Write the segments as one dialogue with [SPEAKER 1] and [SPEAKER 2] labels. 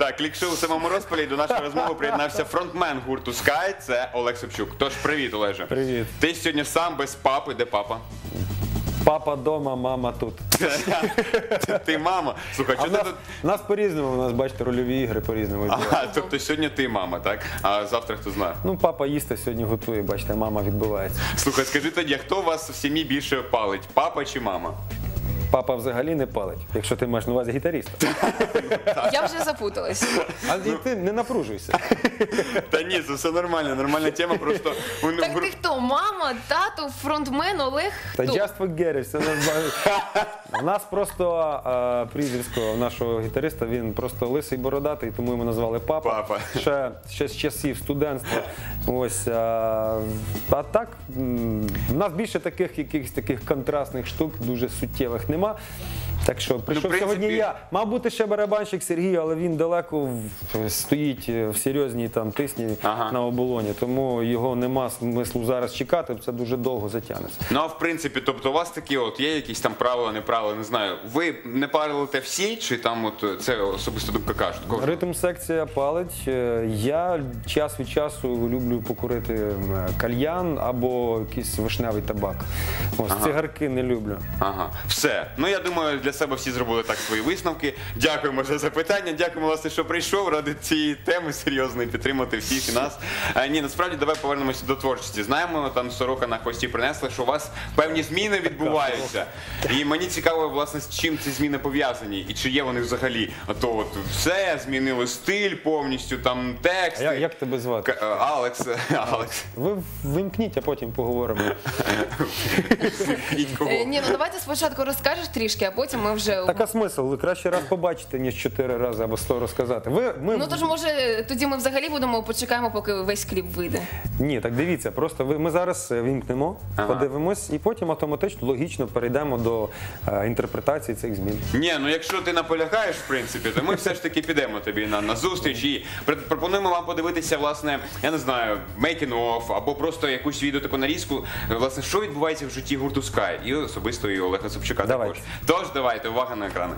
[SPEAKER 1] Так, клік-шоу у самому розпалі. До нашої розмови приєднався фронтмен гурту Sky, це Олег Собчук. Тож, привіт, Олеже.
[SPEAKER 2] Привіт.
[SPEAKER 1] Ти сьогодні сам без папи. Де папа?
[SPEAKER 2] Папа дома, мама тут.
[SPEAKER 1] Ти мама. Слухай,
[SPEAKER 2] А
[SPEAKER 1] чого ти тут?
[SPEAKER 2] у нас по-різному, у нас, бачите, рольові ігри по-різному.
[SPEAKER 1] Ага, тобто сьогодні ти мама, так? А завтра хто знає?
[SPEAKER 2] Ну, папа їсти сьогодні готує, бачите, мама відбивається.
[SPEAKER 1] Слухай, скажи тоді, а хто у вас в сім'ї більше палить? Папа чи мама?
[SPEAKER 2] Папа взагалі не палить, якщо ти маєш на увазі гітаріста.
[SPEAKER 3] Я вже запуталась.
[SPEAKER 2] А і ти не напружуйся.
[SPEAKER 1] Та ні, це все нормально, нормальна тема, просто...
[SPEAKER 3] Так ти хто? Мама, тато, фронтмен, Олег?
[SPEAKER 2] Та
[SPEAKER 3] Хто?
[SPEAKER 2] just forget it, все нормально. У нас просто прізвисько нашого гітариста, він просто лисий бородатий, тому йому назвали папа.
[SPEAKER 1] Папа.
[SPEAKER 2] Ще з часів студентства. Ось, а так, в нас більше таких якихось таких контрастних штук, дуже суттєвих нема. Так що прийшов
[SPEAKER 1] принципі-
[SPEAKER 2] сьогодні я. Мав бути ще барабанщик Сергій, але він далеко стоїть в серйозній там тисні
[SPEAKER 1] Ага.
[SPEAKER 2] на оболоні, тому його нема смислу зараз чекати, це дуже довго затягнеться.
[SPEAKER 1] Ну, а в принципі, тобто у вас такі от є якісь там правила, неправила, не знаю. Ви не парилите всі, чи там от це особисто думка кажуть?
[SPEAKER 2] Ритм-секція палить. Я час від часу люблю покурити кальян або якийсь вишневий табак. Ось, цигарки не люблю.
[SPEAKER 1] Ага, все. Ну, я думаю, для себе всі зробили так свої висновки. Дякуємо за запитання, дякуємо, власне, що прийшов ради цієї теми серйозної, підтримати всіх і нас. Ні, насправді, давай повернемося до творчості. Знаємо, там сорока на хвості принесли, що у вас певні зміни відбуваються. І мені цікаво, власне, з чим ці зміни пов'язані, і чи є вони взагалі. А то от все, змінили стиль повністю, там тексти.
[SPEAKER 2] Як тебе звати?
[SPEAKER 1] Алекс. Алекс.
[SPEAKER 2] Ви вимкніть, а потім поговоримо.
[SPEAKER 1] І кого?
[SPEAKER 3] Ні, ну давайте спочатку розкажеш трішки, а потім ми вже...
[SPEAKER 2] Так а смисл? Краще раз побачити, ніж 4 рази або 100 розказати.
[SPEAKER 3] Ну тож, може, тоді ми взагалі почекаємо, поки весь кліп вийде.
[SPEAKER 2] Ні, так дивіться, просто ми зараз вімкнемо, подивимось, і потім автоматично, логічно перейдемо до інтерпретації цих змін.
[SPEAKER 1] Ні, ну якщо ти наполягаєш, в принципі, то ми все ж таки підемо тобі на зустріч і пропонуємо вам подивитися, власне, я не знаю, making of, або просто якусь відео таку нарізку, власне, що відбувається в житті гурту Sky, і особисто і Олега Собчука
[SPEAKER 2] Давайте.
[SPEAKER 1] також. Тож, давайте, увага на екрани.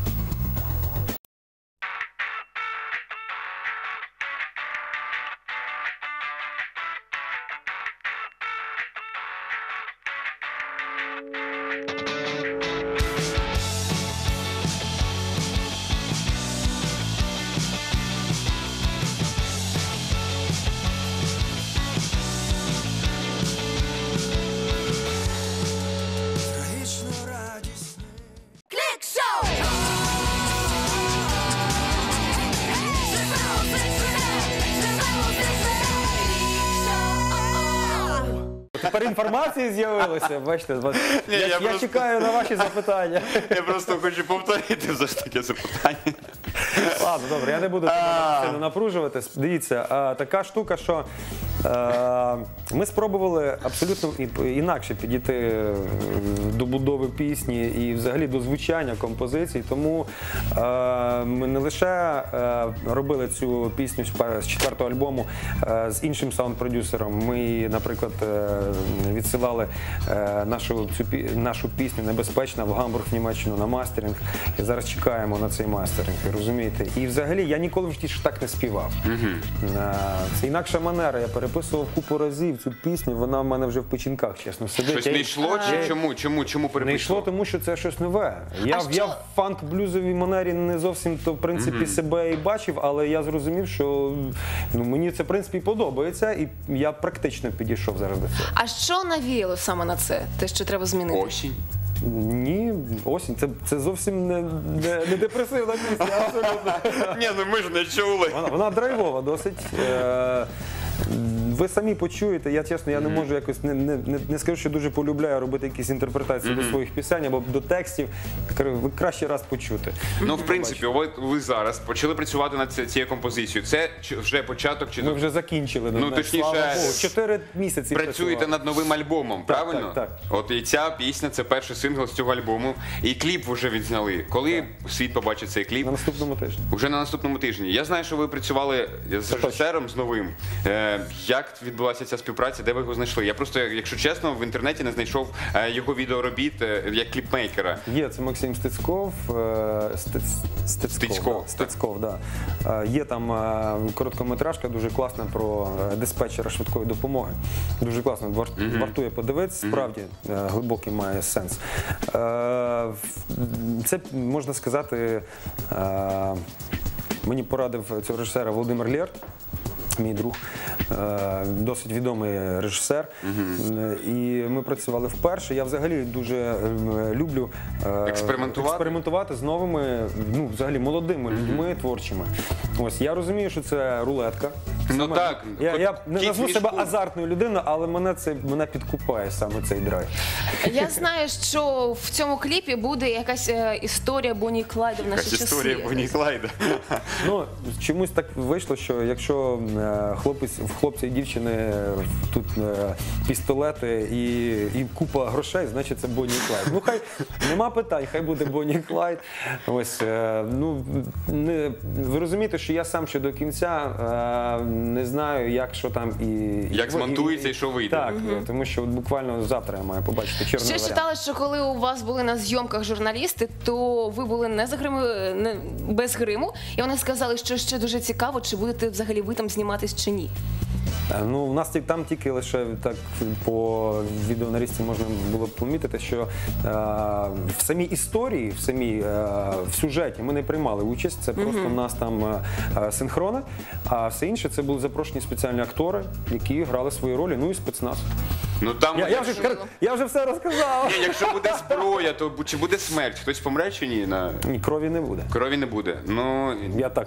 [SPEAKER 2] Тепер інформація з'явилася, бачите,
[SPEAKER 1] Ні, я
[SPEAKER 2] я
[SPEAKER 1] просто-
[SPEAKER 2] чекаю на ваші запитання.
[SPEAKER 1] Я просто хочу повторити все ж таки запитання.
[SPEAKER 2] Ладно, добре, я не буду сильно напружувати. Дивіться, така штука, що ми спробували абсолютно інакше підійти до будови пісні і взагалі до звучання композицій, тому ми не лише робили цю пісню з 4-го альбому з іншим саунд-продюсером. Ми, наприклад, відсилали нашу пісню «Небезпечна» в Гамбург, в Німеччину на мастеринг. І зараз чекаємо на цей мастеринг, розумієте? І взагалі я ніколи в житті ж так не співав. Це інакша манера. Я переписував купу разів цю пісню, вона в мене вже в печінках, чесно, сидить.
[SPEAKER 1] Щось не йшло, чи чому? Чому
[SPEAKER 2] Не йшло,
[SPEAKER 1] переписував?
[SPEAKER 2] тому що це щось нове. Я в фанк-блюзовій манері не зовсім то, в принципі, себе і бачив, але я зрозумів, що мені це, в принципі, подобається, і я практично підійшов зараз до цього.
[SPEAKER 3] А що навіяло саме на це? Те, що треба змінити?
[SPEAKER 1] Осінь.
[SPEAKER 2] Ні, осінь, це зовсім не депресивна пісня, абсолютно.
[SPEAKER 1] Ні, ну ми ж не чули.
[SPEAKER 2] Вона драйвова досить. Ви самі почуєте, я чесно, я не можу якось, не скажу, що дуже полюбляю робити якісь інтерпретації до своїх пісень або до текстів. Ви краще раз почути.
[SPEAKER 1] Ну, в принципі, ви зараз почали працювати над цією композицією. Це вже початок чи
[SPEAKER 2] Ми вже закінчили.
[SPEAKER 1] Ну, точніше,
[SPEAKER 2] слава Богу, 4 місяці
[SPEAKER 1] працюєте
[SPEAKER 2] працювали.
[SPEAKER 1] над новим альбомом, правильно?
[SPEAKER 2] так.
[SPEAKER 1] От і ця пісня, це перший сингл з цього альбому. І кліп вже відзняли. Коли світ побачить цей кліп?
[SPEAKER 2] На наступному тижні.
[SPEAKER 1] Уже на наступному тижні. Я знаю, що ви працювали з режисером, з новим. Як відбулася ця співпраця, де ви його знайшли? Я просто, якщо чесно, в інтернеті не знайшов його відеоробіт як кліпмейкера.
[SPEAKER 2] Є, це Максим Стецьков. Стецьков, да. Є там короткометражка дуже класна про диспетчера швидкої допомоги. Дуже класно, вартує подивитися, справді глибокий має сенс. Це, можна сказати, мені порадив цього режисера Володимир Лєрт, мій друг, досить відомий режисер. І ми працювали вперше. Я взагалі дуже люблю експериментувати з новими, ну, взагалі молодими людьми творчими. Ось, я розумію, що це рулетка.
[SPEAKER 1] Ну так.
[SPEAKER 2] Я не назву себе азартною людиною, але мене підкупає саме цей драйв.
[SPEAKER 3] Я знаю, що в цьому кліпі буде якась історія Бонні і Клайда в наші часи.
[SPEAKER 1] Історія Бонні і Клайда.
[SPEAKER 2] Ну, чомусь так вийшло, що якщо в хлопця і дівчини тут пістолети і купа грошей, значить це Бонні і Клайд. Ну, хай нема питань, хай буде Бонні і Клайд. Ось, ну, ви розумієте, що я сам ще до кінця не знаю, як, що там
[SPEAKER 1] як змонтується і що вийде.
[SPEAKER 2] Так, тому що буквально завтра я маю побачити чорний
[SPEAKER 3] Ще
[SPEAKER 2] варіант.
[SPEAKER 3] читала, що коли у вас були на зйомках журналісти, то ви були без гриму, і вони сказали, що ще дуже цікаво, чи будете взагалі ви там зніматись чи ні.
[SPEAKER 2] Ну, у нас там тільки лише так по відеонарізці можна було б помітити, що в самій історії, в сюжеті ми не приймали участь, це просто у нас там синхрони, а все інше це були запрошені спеціальні актори, які грали свої ролі, ну і спецназ.
[SPEAKER 1] Ну, там,
[SPEAKER 2] Я вже все розказав.
[SPEAKER 1] Ні, якщо буде зброя, то чи буде смерть? Хтось помре чи ні?
[SPEAKER 2] Ні, крові не буде.
[SPEAKER 1] Крові не буде. Ну,
[SPEAKER 2] Я так.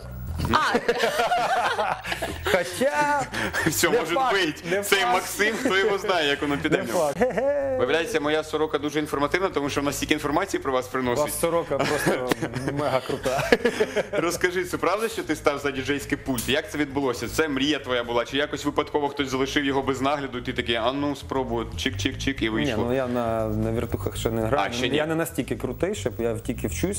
[SPEAKER 2] Хоча...
[SPEAKER 1] все, може бути. Цей Максим, хто його знає, як воно піде в нього. Виявляється, моя сорока дуже інформативна, тому що вона стільки інформації про вас
[SPEAKER 2] У
[SPEAKER 1] приносить.
[SPEAKER 2] вас сорока просто мега крута.
[SPEAKER 1] Розкажи, це правда, що ти став за діджейський пульт? Як це відбулося? Це мрія твоя була? Чи якось випадково хтось залишив його без нагляду, і ти такий, а ну спробую, чик-чик-чик, і
[SPEAKER 2] Ні,
[SPEAKER 1] вийшло?
[SPEAKER 2] ну я на віртухах ще не граю.
[SPEAKER 1] ще ні?
[SPEAKER 2] Я не настільки крутий, щоб я тільки вчусь.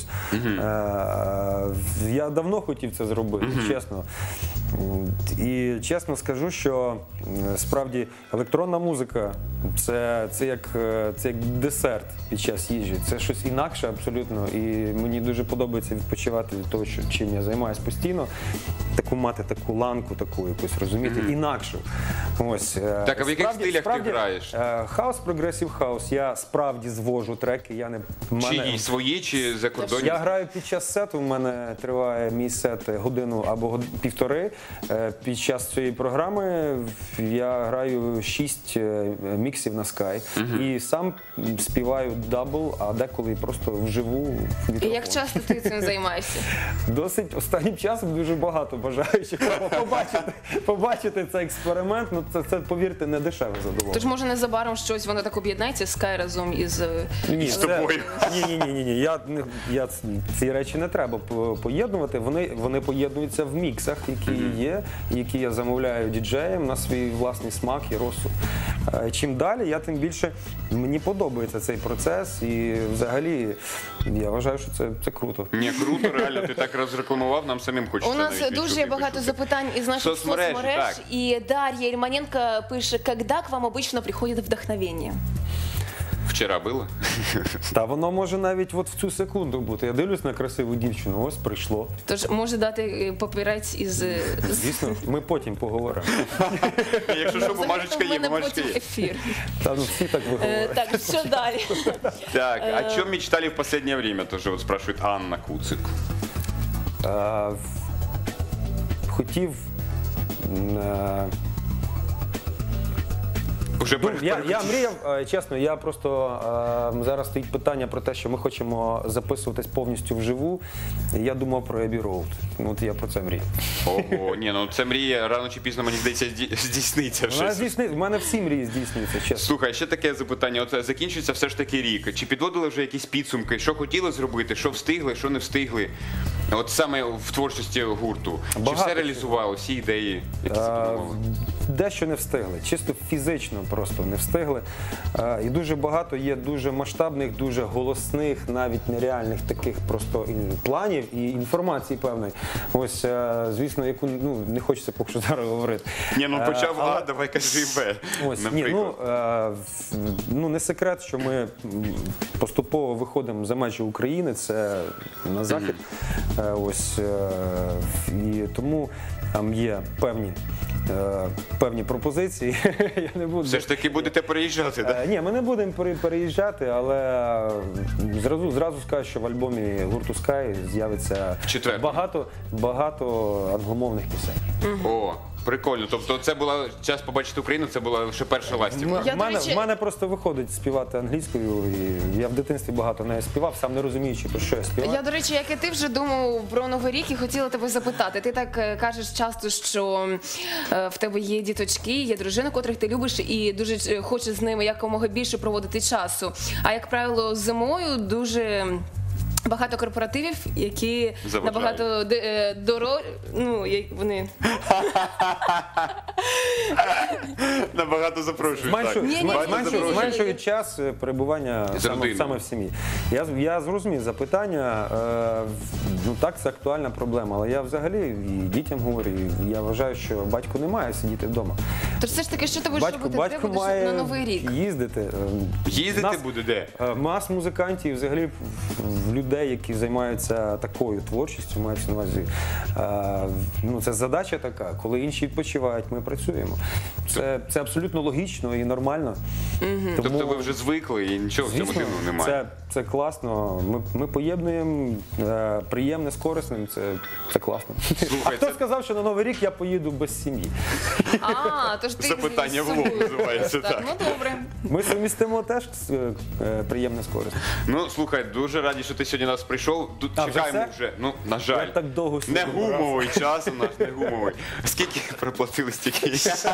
[SPEAKER 2] Я давно хотів це зробити, чесно. І чесно скажу, що справді електронна музика це як десерт під час їжі. Це щось інакше абсолютно. І мені дуже подобається відпочивати від того, чим я займаюся постійно. Мати таку ланку, таку якусь, розумієте, інакшу. Ось.
[SPEAKER 1] Так, а в яких стилях ти граєш?
[SPEAKER 2] Хаус, прогресив хаус. Я справді звожу треки.
[SPEAKER 1] Чи свої, чи закордонні?
[SPEAKER 2] Я граю під час сету, у мене триває мій сет годину або півтори. Під час цієї програми я граю 6 міксів на Sky. І сам співаю дабл, а деколи просто вживу в
[SPEAKER 3] І
[SPEAKER 2] мікрофон.
[SPEAKER 3] як часто ти цим займаєшся?
[SPEAKER 2] Досить останнім часом дуже багато бажаючих побачити цей експеримент. Ну це, повірте, не дешеве задоволення.
[SPEAKER 3] Тож, може, незабаром щось воно так об'єднається, Sky разом із...
[SPEAKER 1] з тобою.
[SPEAKER 2] Ні. Ці речі не треба поєднувати. Вони поєднуються в міксах, які є, які я замовляю діджеям на свій власний смак і розсуд. Чим далі, тим більше мені подобається цей процес. І взагалі я вважаю, що це круто.
[SPEAKER 1] Ні, круто, реально, ти так розрекламував, нам самим хочеться.
[SPEAKER 3] У нас
[SPEAKER 1] навіть
[SPEAKER 3] дуже
[SPEAKER 1] відчути,
[SPEAKER 3] багато
[SPEAKER 1] почути.
[SPEAKER 3] запитань із наших
[SPEAKER 1] Соцмережі,
[SPEAKER 3] соцмереж.
[SPEAKER 1] так.
[SPEAKER 3] І Дар'я Ільманенко пише, «Когда к вам обычно приходит вдохновение?»
[SPEAKER 1] Вчора було?
[SPEAKER 2] Та воно може навіть от в цю секунду бути. Я дивлюсь на красиву дівчину, ось прийшло.
[SPEAKER 3] Тож може дати папірець із...
[SPEAKER 2] Звісно, ми потім поговоримо.
[SPEAKER 1] Якщо що, бумажечка є, бумажечка
[SPEAKER 3] потім
[SPEAKER 1] є.
[SPEAKER 3] ефір.
[SPEAKER 2] Та ну всі так виговорять.
[SPEAKER 3] Так, що далі?
[SPEAKER 1] Так, о чем мечтали в последнее время? Тоже вот спрашивает Анна Куцик.
[SPEAKER 2] Хотів.
[SPEAKER 1] Уже
[SPEAKER 2] Я мріяв, чесно, я просто зараз стоїть питання про те, що ми хочемо записуватись повністю вживу. Я думав про Abbey Road. От я про це мрію.
[SPEAKER 1] Ого, ні, ну це мрія рано чи пізно, мені здається, здійсниться.
[SPEAKER 2] В мене всі мрії здійснюються, чесно.
[SPEAKER 1] Слухай, ще таке запитання. От закінчується все ж таки рік. Чи підводили вже якісь підсумки? Що хотіли зробити, що встигли, що не встигли? От саме в творчості гурту. Чи
[SPEAKER 2] Багато
[SPEAKER 1] все реалізувало, всі ідеї, які задумували?
[SPEAKER 2] Дещо не встигли, чисто фізично просто не встигли. І дуже багато є дуже масштабних, дуже голосних, навіть нереальних таких просто планів і інформації певної. Ось, звісно, яку не хочеться поки що зараз говорити.
[SPEAKER 1] Ні, ну почав А, давай кажи Б,
[SPEAKER 2] Ось,
[SPEAKER 1] наприклад.
[SPEAKER 2] не секрет, що ми поступово виходимо за межі України, це на захід. Ось, і тому там є певні пропозиції. Я не буду...
[SPEAKER 1] Все ж таки будете переїжджати, так?
[SPEAKER 2] Ні, ми не будемо переїжджати, але зразу скажу, що в альбомі гурту Sky з'явиться багато англомовних пісень.
[SPEAKER 1] О, прикольно. Тобто це була час побачити Україну, це була лише перша ластівка.
[SPEAKER 2] В мене просто виходить співати англійською, і я в дитинстві багато не співав, сам не розуміючи, про що я співаю.
[SPEAKER 3] Я, до речі, як і ти вже думав про Новий рік і хотіла тебе запитати. Ти так кажеш часто, що в тебе є діточки, є дружина, котрих ти любиш і дуже хочеш з ними якомога більше проводити часу. А як правило, зимою дуже багато корпоративів, які
[SPEAKER 1] Заважають.
[SPEAKER 3] набагато вони
[SPEAKER 1] Набагато запрошують. так.
[SPEAKER 2] Зменшують час перебування саме в сім'ї. Я зрозумів запитання. Так, це актуальна проблема, але я взагалі і дітям говорю, і я вважаю, що батько не має сидіти вдома.
[SPEAKER 3] Тож все ж таки, що ти будеш робити? Де
[SPEAKER 2] Батько
[SPEAKER 3] будеш
[SPEAKER 2] має
[SPEAKER 3] на Новий рік?
[SPEAKER 2] їздити.
[SPEAKER 1] Їздити буде де?
[SPEAKER 2] Мас музикантів, взагалі людей, які займаються такою творчістю, мається на увазі. Це задача така, коли інші відпочивають, ми працюємо. Це абсолютно логічно і нормально.
[SPEAKER 1] Тобто ви вже звикли і нічого в цьому
[SPEAKER 2] Звісно,
[SPEAKER 1] дивного немає?
[SPEAKER 2] це класно. Ми поєднуємо приємне з корисним, це класно.
[SPEAKER 1] Слухай,
[SPEAKER 2] А хто
[SPEAKER 1] це-
[SPEAKER 2] сказав, що на Новий рік я поїду без сім'ї?
[SPEAKER 3] Тож ти
[SPEAKER 1] Запитання
[SPEAKER 3] з
[SPEAKER 1] в лоб
[SPEAKER 3] собою
[SPEAKER 1] називається,
[SPEAKER 3] возиш,
[SPEAKER 1] так.
[SPEAKER 3] Ну добре.
[SPEAKER 2] Ми совмістимо теж приємне з корисним.
[SPEAKER 1] Ну, слухай, дуже раді, що ти сьогодні до нас прийшов. Чекаємо
[SPEAKER 2] все?
[SPEAKER 1] вже, на жаль.
[SPEAKER 2] Я так довго
[SPEAKER 1] Не
[SPEAKER 2] сидів,
[SPEAKER 1] гумовий час у нас, не гумовий. Скільки проплатили, стільки.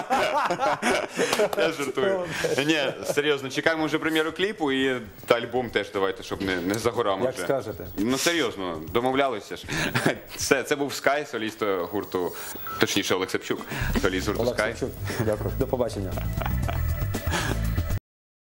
[SPEAKER 1] Я жартую. Ні, серйозно, чекаємо вже прем'єру кліпу і та альбом теж давайте, щоб не за горами
[SPEAKER 2] Як
[SPEAKER 1] вже.
[SPEAKER 2] скажете.
[SPEAKER 1] Ну серйозно, домовлялися ж. Це був Sky, соліст гурту, точніше Олег Сапчук, соліст гурту
[SPEAKER 2] Олег
[SPEAKER 1] Sky.
[SPEAKER 2] Савчук. Дякую. До побачення.